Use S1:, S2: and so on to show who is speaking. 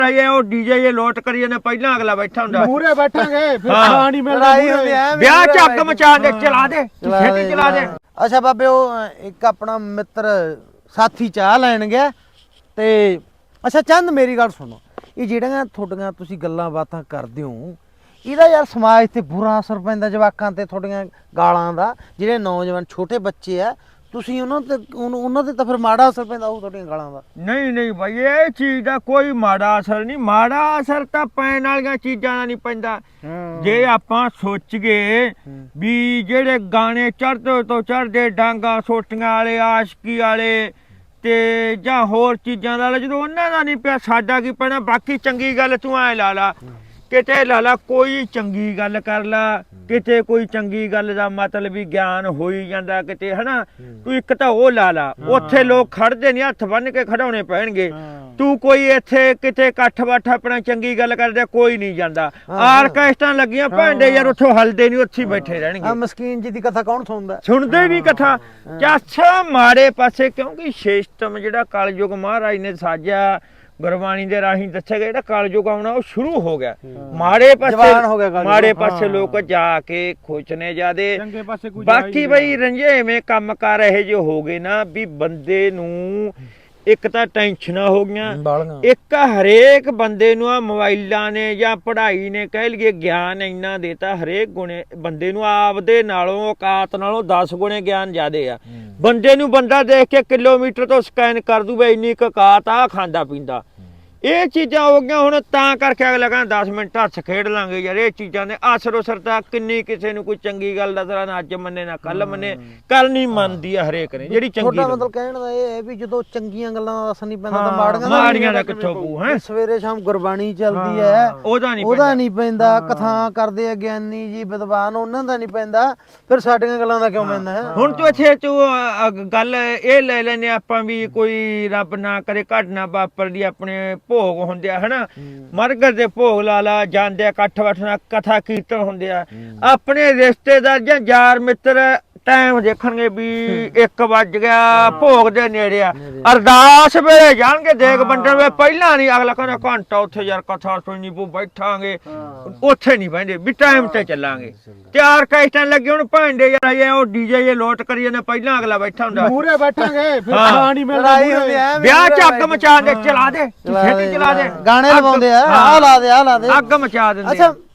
S1: ਇਹ ਉਹ ਡੀਜੇ ਇਹ ਲੋਟ ਕਰੀ ਜਾਂਦੇ ਪਹਿਲਾਂ ਅਗਲਾ ਬੈਠਾ ਹੁੰਦਾ
S2: ਮੂਰੇ ਬੈਠਾਂਗੇ ਫਿਰ ਖਾਣ ਨਹੀਂ ਮਿਲਦਾ
S1: ਵਿਆਹ ਚ ਅੱਗ ਮਚਾ ਦੇ ਚਲਾ ਦੇ ਛੇਤੀ ਚਲਾ ਦੇ।
S3: ਅੱਛਾ ਬਾਬੇ ਉਹ ਇੱਕ ਆਪਣਾ ਮਿੱਤਰ ਸਾਥੀ ਚਾਹ ਲੈਣ ਗਿਆ ਤੇ ਅੱਛਾ ਚੰਦ ਮੇਰੀ ਗੱਲ ਸੁਣੋ, ਇਹ ਜਿਹੜੀਆਂ ਤੁਹਾਡੀਆਂ ਤੁਸੀਂ ਗੱਲਾਂ ਬਾਤਾਂ ਕਰਦੇ ਹੋ ਇਹਦਾ ਯਾਰ ਸਮਾਜ ਤੇ ਬੁਰਾ ਅਸਰ ਪੈਂਦਾ ਜਵਾਕਾਂ ਤੇ, ਤੁਹਾਡੀਆਂ ਗਾਲਾਂ ਦਾ। ਜਿਹੜੇ ਨੌਜਵਾਨ ਛੋਟੇ ਬੱਚੇ ਆ ਤੁਸੀਂ ਉਹਨਾਂ ਤੇ ਤਾਂ ਫਿਰ ਮਾੜਾ ਅਸਰ ਪੈਂਦਾ ਉਹ ਤੁਹਾਡੀਆਂ ਗਾਲਾਂ ਦਾ।
S1: ਨਹੀਂ ਬਾਈ ਇਹ ਚੀਜ਼ ਦਾ ਕੋਈ ਮਾੜਾ ਅਸਰ ਨਹੀਂ, ਮਾੜਾ ਅਸਰ ਤਾਂ ਪੈਣ ਵਾਲੀਆਂ ਚੀਜ਼ਾਂ ਦਾ ਨਹੀਂ ਪੈਂਦਾ। ਜੇ ਆਪਾਂ ਸੋਚੀਏ ਵੀ ਜਿਹੜੇ ਗਾਣੇ ਚੜ੍ਹਦੇ ਤੋਂ ਚੜ੍ਹਦੇ ਡਾਂਗਾ ਸੋਟੀਆਂ ਵਾਲੇ ਆਸ਼ਕੀ ਵਾਲੇ ਤੇ ਜਾਂ ਹੋਰ ਚੀਜ਼ਾਂ ਦਾ ਜਦੋਂ ਉਹਨਾਂ ਦਾ ਨਹੀਂ ਪਿਆ ਸਾਡਾ ਕੀ ਪੈਣਾ। ਬਾਕੀ ਚੰਗੀ ਗੱਲ ਤੂੰ ਐ ਲਾ ਲਾ ਕਿਤੇ ਲਾ ਲਾ ਕੋਈ ਚੰਗੀ ਗੱਲ ਕਰ ਲਾ, ਕਿਤੇ ਕੋਈ ਚੰਗੀ ਗੱਲ ਦਾ ਮਤਲਬ ਵੀ ਗਿਆਨ ਹੋਈ ਜਾਂਦਾ ਕਿਤੇ ਹਨਾ। ਤੂੰ ਇੱਕ ਤਾਂ ਉਹ ਲਾ ਲਾ, ਉੱਥੇ ਲੋਕ ਖੜਦੇ ਨਹੀਂ, ਹੱਥ ਬੰਨ ਕੇ ਖੜਾਉਣੇ ਪੈਣਗੇ। ਤੂੰ ਕੋਈ ਇੱਥੇ ਕਿਤੇ ਇਕੱਠ ਬੱਠ ਆਪਣਾ ਚੰਗੀ ਗੱਲ ਕਰਦੇ ਕੋਈ ਨਹੀਂ ਜਾਂਦਾ। ਆਰਕੈਸਟਰਾਂ ਲੱਗੀਆਂ ਭਾਂਡੇ ਯਾਰ ਉੱਥੋਂ ਹਲਦੇ ਨਹੀਂ, ਉੱਥੇ ਬੈਠੇ ਰਹਿਣਗੇ।
S3: ਆ ਮਸਕੀਨ ਜੀ ਦੀ ਕਥਾ ਕੌਣ ਸੁਣਦਾ?
S1: ਸੁਣਦੇ ਨਹੀਂ ਕਥਾ। ਚਾਛਾ ਮਾੜੇ ਪਾਸੇ ਕਿਉਂਕਿ ਸਿਸਟਮ ਜਿਹੜਾ ਕਲਯੁਗ ਮਹਾਰਾਜ ਨੇ ਸਾਜਿਆ ਗੁਰਬਾਣੀ ਦੇ ਰਾਹੀਂ ਦੱਸਿਆ ਗਿਆ ਜਿਹੜਾ ਕਲਯੁਗ ਆਉਣਾ ਉਹ ਸ਼ੁਰੂ ਹੋ ਗਿਆ। ਮਾੜੇ ਪਾਸੇ ਲੋਕ ਜਾ ਕੇ ਖੁਸ਼ ਨੇ ਜਿਆਦੇ, ਬਾਕੀ ਬਈ ਰੰਝੇਵੇਂ ਕੰਮ ਕਰ ਰਹੇ ਜੋ ਹੋ ਗਏ ਨਾ ਵੀ ਬੰਦੇ ਨੂੰ ਇੱਕ ਤਾਂ ਟੈਨਸ਼ਨਾਂ ਹੋ ਗਈਆਂ, ਇੱਕ ਹਰੇਕ ਬੰਦੇ ਨੂੰ ਆ ਮੋਬਾਈਲਾਂ ਨੇ ਜਾਂ ਪੜ੍ਹਾਈ ਨੇ ਕਹਿ ਲਈਏ ਗਿਆਨ ਇੰਨਾ ਦੇਤਾ ਹਰੇਕ ਗੁਣੇ ਬੰਦੇ ਨੂੰ ਆਪਦੇ ਨਾਲੋਂ ਔਕਾਤ ਨਾਲੋਂ 10 ਗੁਣੇ ਗਿਆਨ ਜ਼ਿਆਦੇ ਆ। ਬੰਦੇ ਨੂੰ ਬੰਦਾ ਦੇਖ ਕੇ ਕਿਲੋਮੀਟਰ ਤੋਂ ਸਕੈਨ ਕਰ ਦੂ ਬਈ ਇੰਨੀ ਔਕਾਤ ਆ ਖਾਂਦਾ ਪੀਂਦਾ। ਇਹ ਚੀਜ਼ਾਂ ਹੋ ਗਈਆਂ ਹੁਣ ਤਾਂ ਕਰਕੇ ਅਗਲਾ ਕਹਿੰਦਾ 10 ਮਿੰਟ ਹੱਥ ਖੇਡ ਲਾਂਗੇ ਯਾਰ। ਇਹ ਚੀਜ਼ਾਂ ਨੇ ਅਸਰ ਉਸਰ ਤਾਂ ਕਿੰਨੀ ਕਿਸੇ ਨੂੰ ਕੋਈ ਚੰਗੀ ਗੱਲ ਦਾ ਤਰ੍ਹਾਂ ਨਾ ਅੱਜ ਮੰਨੇ ਨਾ ਕੱਲ ਮੰਨੇ, ਕੱਲ ਨਹੀਂ ਮੰਨਦੀ ਆ ਹਰੇਕ ਨੇ ਜਿਹੜੀ ਚੰਗੀ।
S3: ਤੁਹਾਡਾ ਮਤਲਬ ਕਹਿਣ ਦਾ ਇਹ ਹੈ ਵੀ ਜਦੋਂ ਚੰਗੀਆਂ ਗੱਲਾਂ ਦਾ ਅਸਰ ਨਹੀਂ ਪੈਂਦਾ ਤਾਂ
S1: ਮਾੜੀਆਂ ਦਾ ਕਿੱਥੋਂ ਪੂ ਹੈ।
S3: ਸਵੇਰੇ ਸ਼ਾਮ ਗੁਰਬਾਣੀ ਚੱਲਦੀ ਹੈ ਉਹਦਾ ਨਹੀਂ ਪੈਂਦਾ, ਕਥਾ ਕਰਦੇ ਆ ਗਿਆਨੀ ਜੀ ਵਿਦਵਾਨ ਉਹਨਾਂ ਦਾ ਨਹੀਂ ਪੈਂਦਾ, ਫਿਰ ਸਾਡੀਆਂ ਗੱਲਾਂ ਦਾ ਕਿਉਂ ਪੈਂਦਾ ਹੈ?
S1: ਹੁਣ ਤੂੰ ਇੱਥੇ ਤੂੰ ਗੱਲ ਇਹ ਲੈ ਲੈਨੇ ਆਪਾਂ ਵੀ ਕੋਈ ਰੱਬ ਨਾ ਕਰੇ ਘਟਨਾ ਵਾਪਰਦੀ ਆਪਣੇ ਭੋਗ ਹੁੰਦੇ ਆ ਹਨਾ, ਮਰਗਤ ਦੇ ਭੋਗ ਲਾ ਲਾ ਜਾਂਦੇ ਆ, ਇਕੱਠ ਬੈਠਣਾ ਕਥਾ ਕੀਰਤਨ ਹੁੰਦੇ ਆ। ਆਪਣੇ ਰਿਸ਼ਤੇਦਾਰ ਜਾਂ ਯਾਰ ਮਿੱਤਰ ਟਾਈਮ ਦੇਖਣਗੇ ਵੀ 1 ਵੱਜ ਗਿਆ ਭੋਗ ਦੇ ਨੇੜੇ ਆ, ਅਰਦਾਸ ਵੇਲੇ ਜਾਣਗੇ ਦੇਗ ਵੰਡਣ ਵੇ ਪਹਿਲਾਂ ਨਹੀਂ। ਅਗਲਾ ਕਹਿੰਦਾ ਘੰਟਾ ਉੱਥੇ ਯਾਰ ਕਥਾ ਸੁਣਨੀ ਪਊ ਬੈਠਾਂਗੇ, ਉੱਥੇ ਨਹੀਂ ਬਹਿੰਦੇ ਵੀ ਟਾਈਮ ਤੇ ਚੱਲਾਂਗੇ। ਤੇ ਆਰਕੈਸਟਰਾਂ ਲੱਗੇ ਹੁਣ ਭਾਂਡੇ ਯਾਰ ਇਹ ਉਹ ਡੀਜੇ ਇਹ ਲੋਟ ਕਰੀ ਜਾਂਦੇ ਪਹਿਲਾਂ ਅਗਲਾ ਬੈਠਾ ਹੁੰਦਾ
S2: ਮੂਰੇ ਬੈਠਾਂਗੇ ਫਿਰ ਖਾਣ ਨਹੀਂ ਮਿਲਦਾ।
S1: ਵਿਆਹ ਚ ਅੱਗ ਮਚਾ ਦੇ ਚਲਾ ਦੇ ਛੇਤੀ ਚਲਾ ਦੇ
S3: ਗਾਣੇ ਲਵਾਉਂਦੇ ਆ ਲਾ ਦੇ
S1: ਅੱਗ ਮਚਾ ਦਿੰਦੇ।
S3: ਅੱਛਾ